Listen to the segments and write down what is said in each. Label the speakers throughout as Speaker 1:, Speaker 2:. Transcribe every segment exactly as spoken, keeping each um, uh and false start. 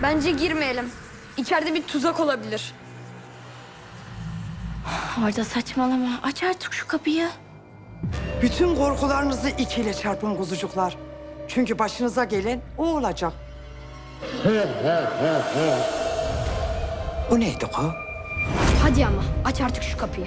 Speaker 1: Bence girmeyelim. İçeride bir tuzak olabilir.
Speaker 2: Arda saçmalama. Aç artık şu kapıyı.
Speaker 3: Bütün korkularınızı ikiyle çarpın kuzucuklar. Çünkü başınıza gelen o olacak. Bu neydi o?
Speaker 1: Hadi ama aç artık şu kapıyı.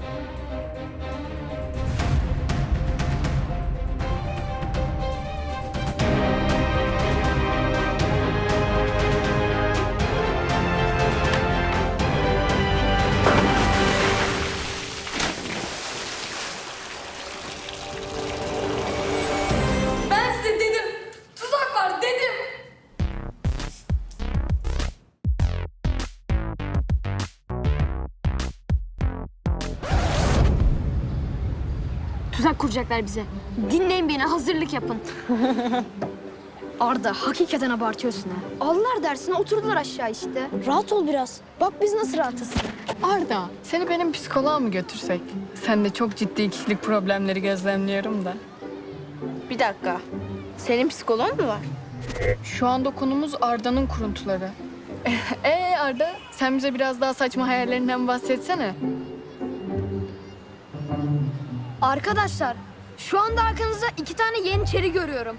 Speaker 1: Ben size dedim. Tuzak var dedim. Tuzak kuracaklar bize. Dinleyin beni, hazırlık yapın. Arda, hakikaten abartıyorsun ha. Aldılar dersine, oturdular aşağı işte.
Speaker 4: Rahat ol biraz. Bak biz nasıl rahatız.
Speaker 5: Arda, seni benim psikoloğa mı götürsek? Sen de çok ciddi kişilik problemleri gözlemliyorum da.
Speaker 2: Bir dakika. Senin psikoloğun mu var?
Speaker 5: Şu anda konumuz Arda'nın kuruntuları. Ee Arda, sen bize biraz daha saçma hayallerinden bahsetsene.
Speaker 1: Arkadaşlar, şu anda arkanızda iki tane yeniçeri görüyorum.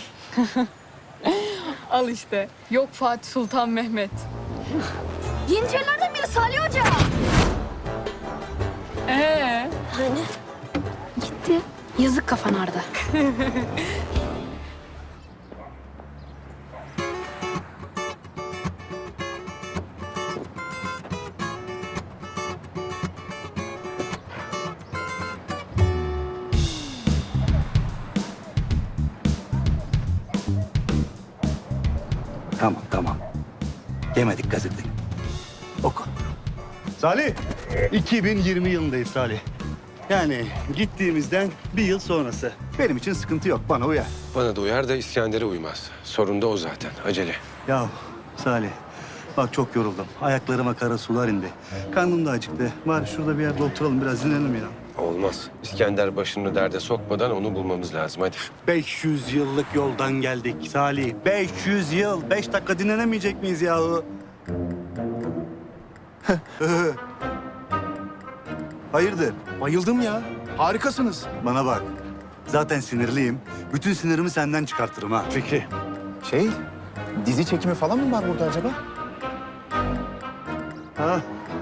Speaker 5: Al işte. Yok Fatih Sultan Mehmet.
Speaker 1: Yeniçerilerden biri Salih Hoca.
Speaker 5: Ee,
Speaker 1: Hani? Gitti. Yazık kafan Arda.
Speaker 6: Tamam tamam. Yemedik gazeteyi. Oku.
Speaker 7: Salih, iki bin yirmi yılındayız Salih. Yani gittiğimizden bir yıl sonrası. Benim için sıkıntı yok, bana uyar.
Speaker 8: Bana da uyar da İskender'e uymaz. Sorun da o zaten. Acele.
Speaker 7: Ya Salih, bak çok yoruldum. Ayaklarıma kara sular indi. Karnım da acıktı. Var şurada bir yerde oturalım, biraz dinlenelim ya.
Speaker 8: Olmaz. İskender başını derde sokmadan onu bulmamız lazım. Hadi.
Speaker 7: beş yüz yıllık yoldan geldik Salih. beş yüz yıl. Beş dakika dinlenemeyecek miyiz yahu? Hayırdır?
Speaker 9: Bayıldım ya. Harikasınız.
Speaker 7: Bana bak. Zaten sinirliyim. Bütün sinirimi senden çıkartırım ha.
Speaker 9: Peki. Şey, dizi çekimi falan mı var burada acaba?
Speaker 7: Ha?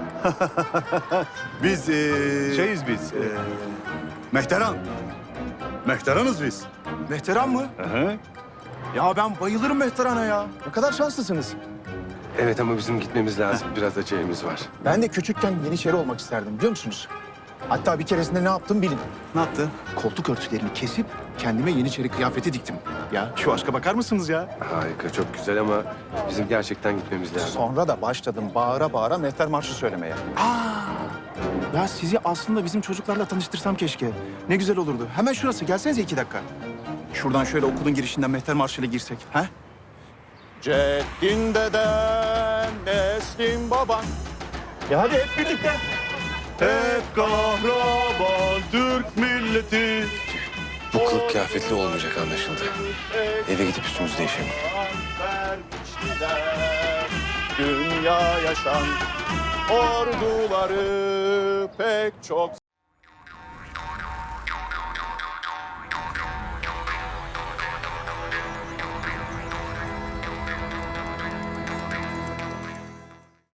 Speaker 7: biz ee,
Speaker 9: Şeyiz biz.
Speaker 7: ee, Mehteran. Mehteranız biz.
Speaker 9: Mehteran mı?
Speaker 7: Hı hı.
Speaker 9: Ya ben bayılırım Mehteran'a ya. Ne kadar şanslısınız.
Speaker 8: Evet ama bizim gitmemiz lazım. Biraz acelemiz var.
Speaker 9: Ben de küçükken Yeniçeri olmak isterdim biliyor musunuz? Hatta bir keresinde ne yaptım bilin.
Speaker 7: Ne yaptın?
Speaker 9: Koltuk örtülerini kesip kendime Yeniçeri kıyafeti diktim. Ya şu aşka bakar mısınız ya?
Speaker 8: Harika, çok güzel ama bizim gerçekten gitmemiz lazım.
Speaker 9: Sonra da başladım bağıra bağıra Mehter Marşı söylemeye. Aa! Ya sizi aslında bizim çocuklarla tanıştırsam keşke. Ne güzel olurdu. Hemen şurası. Gelsenize iki dakika. Şuradan şöyle okulun girişinden Mehter Marşı'yla girsek. Ha? Ceddin deden, neslin baban. Ya hadi hep birlikte.
Speaker 7: Hep kahraman Türk milleti.
Speaker 8: Bu kılık kıyafetli olmayacak anlaşıldı. Eve gidip üstümüzü değişelim.
Speaker 9: Dünya yaşan orduları pek çok